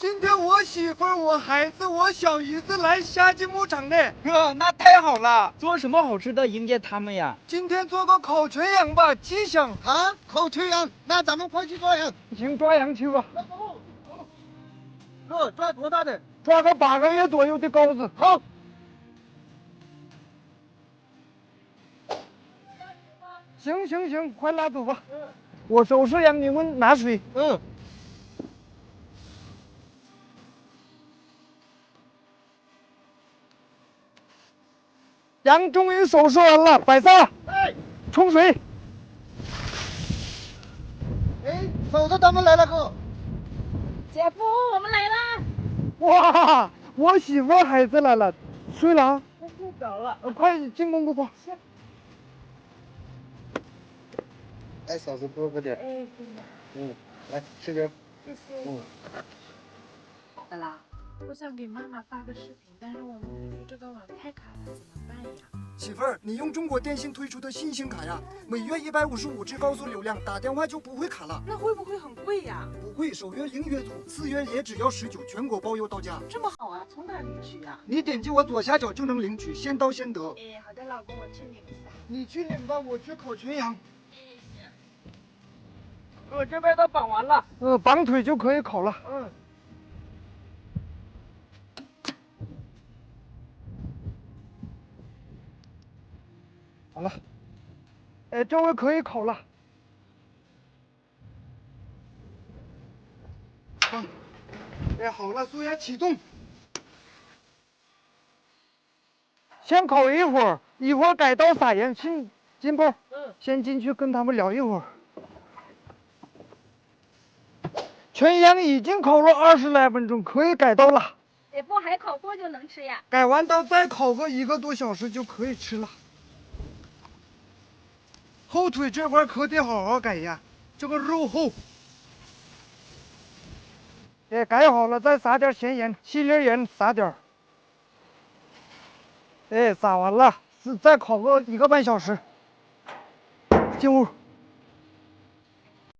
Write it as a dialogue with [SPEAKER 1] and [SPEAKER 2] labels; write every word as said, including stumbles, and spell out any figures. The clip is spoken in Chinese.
[SPEAKER 1] 今天我媳妇儿、我孩子、我小姨子来夏季牧场呢。
[SPEAKER 2] 哥，那太好了！做什么好吃的迎接他们呀？
[SPEAKER 1] 今天做个烤全羊吧，吉祥。
[SPEAKER 3] 啊，烤全羊，那咱们快去抓羊。
[SPEAKER 1] 行，抓羊去吧。
[SPEAKER 3] 哥，抓多大的？
[SPEAKER 1] 抓个八个月左右的羔子。
[SPEAKER 3] 好。
[SPEAKER 1] 行行行，快拉走吧。嗯。我收拾羊，你们拿水。
[SPEAKER 3] 嗯。
[SPEAKER 1] 羊终于收拾完了，摆上。
[SPEAKER 3] 哎。
[SPEAKER 1] 冲水。
[SPEAKER 3] 哎，嫂子他们来了，哥。
[SPEAKER 4] 姐夫，我们来啦！
[SPEAKER 1] 哇，我媳妇孩子来了，睡了啊？
[SPEAKER 4] 我睡着了。
[SPEAKER 1] 呃，快进公公吧。
[SPEAKER 3] 哎，嫂子多喝点。
[SPEAKER 4] 哎，
[SPEAKER 3] 嗯，来吃点。
[SPEAKER 4] 谢谢。
[SPEAKER 3] 嗯。
[SPEAKER 4] 好啦，我想给妈妈发个视频，但是我们说这个网太卡了，怎么办呀？
[SPEAKER 1] 媳妇儿，你用中国电信推出的新星卡呀，每月一百五十五 G 高速流量，打电话就不会卡了。
[SPEAKER 4] 那会不会很贵呀？
[SPEAKER 1] 不贵，首月零月租，次月也只要十九，全国包邮到家。
[SPEAKER 4] 这么好啊？从哪领取呀？
[SPEAKER 1] 你点击我左下角就能领取，先到先得。
[SPEAKER 4] 哎，好的，老公，我去领一下。
[SPEAKER 1] 你去领吧，我去烤全羊。
[SPEAKER 2] 哥，这边都绑完了。
[SPEAKER 1] 呃，绑腿就可以烤了。
[SPEAKER 2] 嗯。
[SPEAKER 1] 好了，哎，这回可以烤了。好，哎，好了，速压启动。先烤一会儿，一会儿改刀撒盐。进金波，
[SPEAKER 2] 嗯，
[SPEAKER 1] 先进去跟他们聊一会儿。全羊已经烤了二十来分钟，可以改刀了。
[SPEAKER 4] 姐夫，还烤多久能吃呀？
[SPEAKER 1] 改完刀再烤个一个多小时就可以吃了。后腿这块可得好好改呀，这个肉厚。哎，改好了再撒点咸盐，细粒盐撒点儿。哎，撒完了，是再烤个一个半小时。进屋。